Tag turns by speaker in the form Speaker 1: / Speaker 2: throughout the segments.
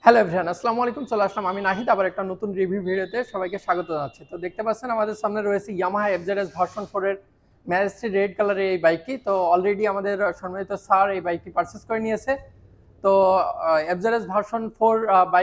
Speaker 1: Hello everyone, আসসালামু আলাইকুম। চলে আসলাম আমি নাহিদ আবার একটা নতুন রিভিউ ভিডিওতে সবাইকে স্বাগত জানাচ্ছি। তো দেখতে পাচ্ছেন আমাদের সামনে রয়েছে ইয়ামাহা এফজেডএস ভার্সন 4 এর ম্যাজেস্টি রেড কালারের এই বাইকটি। তো অলরেডি আমাদের সম্মানিত স্যার এই বাইকটি পারচেজ করে নিয়েছে। তো এফজেডএস ভার্সন 4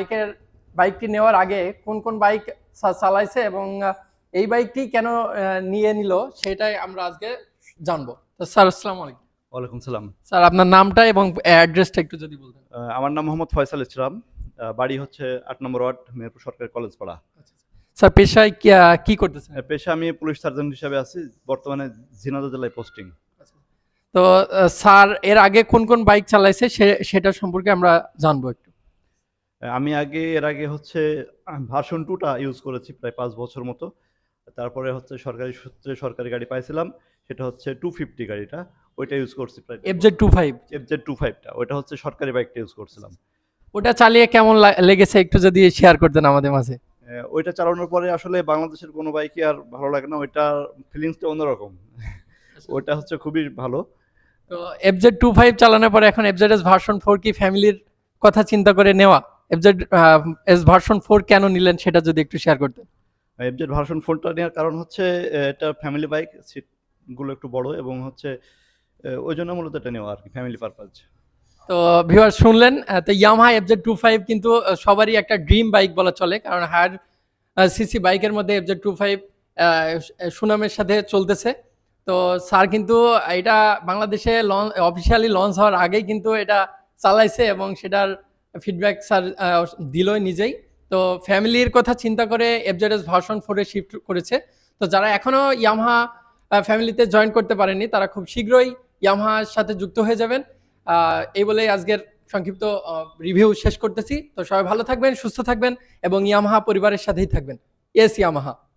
Speaker 1: বাইকটি নেওয়ার আগে কোন কোন বাইক চালাইছে এবং এই বাইকটি কেন নিয়ে নিল সেটাই আমরা আজকে জানবো। তো স্যার আসসালামু আলাইকুম।
Speaker 2: ওয়ালাইকুম সালাম।
Speaker 1: স্যার আপনার নামটা এবং অ্যাড্রেসটা একটু যদি বলতেন।
Speaker 2: আমার নাম মোহাম্মদ ফয়সাল ইসলাম। বাড়ি হচ্ছে ৮ নম্বর ওয়ার্ড, মেহেরপুর সরকারি কলেজ পাড়া।
Speaker 1: স্যার পেশায় কি করতেছেন?
Speaker 2: পেশা আমি পুলিশ সার্জন হিসাবে আছি, বর্তমানে ঝিনাইদহ জেলায় পোস্টিং।
Speaker 1: তো স্যার এর আগে কোন কোন বাইক চালাইছে সেটা সম্পর্কে আমরা জানবো একটু।
Speaker 2: আমি এর আগে হচ্ছে ভার্সন 2টা ইউজ করেছি প্রায় ৫ বছর মতো। তারপরে হচ্ছে সরকারি সূত্রে সরকারি গাড়ি পাইছিলাম, সেটা হচ্ছে 250 গাড়িটা, ওইটা ইউজ করছি প্রায়।
Speaker 1: FZ25
Speaker 2: FZ25টা ওইটা হচ্ছে সরকারি বাইকটা ইউজ করছিলাম।
Speaker 1: ওটা চালিয়ে কেমন লেগেছে একটু যদি শেয়ার করতেন আমাদের মাঝে।
Speaker 2: ওইটা চালানোর পরে আসলে বাংলাদেশের কোনো বাইকই আর ভালো লাগে না, ওইটার ফিলিংসটা অন্যরকম। ওইটা হচ্ছে খুবই ভালো।
Speaker 1: তো FZ25 চালানোর পরে এখন FZS ভার্সন 4 কি ফ্যামিলির কথা চিন্তা করে নেওয়া? FZS ভার্সন 4 কেন নিলেন সেটা যদি একটু শেয়ার করতেন।
Speaker 2: FZ ভার্সন 4টা নেওয়ার কারণ হচ্ছে এটা ফ্যামিলি বাইক, সিটগুলো একটু বড় এবং হচ্ছে ওই জন্য মূলত এটা নেওয়া আর কি, ফ্যামিলি পারপাস।
Speaker 1: তো ভিউয়ার শুনলেন, তো ইয়ামাহা FZ25 কিন্তু সবারই একটা ড্রিম বাইক বলা চলে, কারণ হায়ার সিসি বাইকের মধ্যে FZ25 সুনামের সাথে চলতেছে। তো স্যার কিন্তু এটা বাংলাদেশে অফিসিয়ালি লঞ্চ হওয়ার আগেই কিন্তু এটা চালাইছে এবং সেটার ফিডব্যাক স্যার দিলই নিজেই। তো ফ্যামিলির কথা চিন্তা করে FZS ভার্সন 4 শিফট করেছে। তো যারা এখনো ইয়ামাহা ফ্যামিলিতে জয়েন করতে পারেনি তারা খুব শীঘ্রই ইয়ামাহার সাথে যুক্ত হয়ে যাবেন। এই বলেই আজকের সংক্ষিপ্ত রিভিউ শেষ করতেছি। তো সবাই ভালো থাকবেন, সুস্থ থাকবেন এবং ইয়ামাহা পরিবারের সাথেই থাকবেন। Yes Yamaha.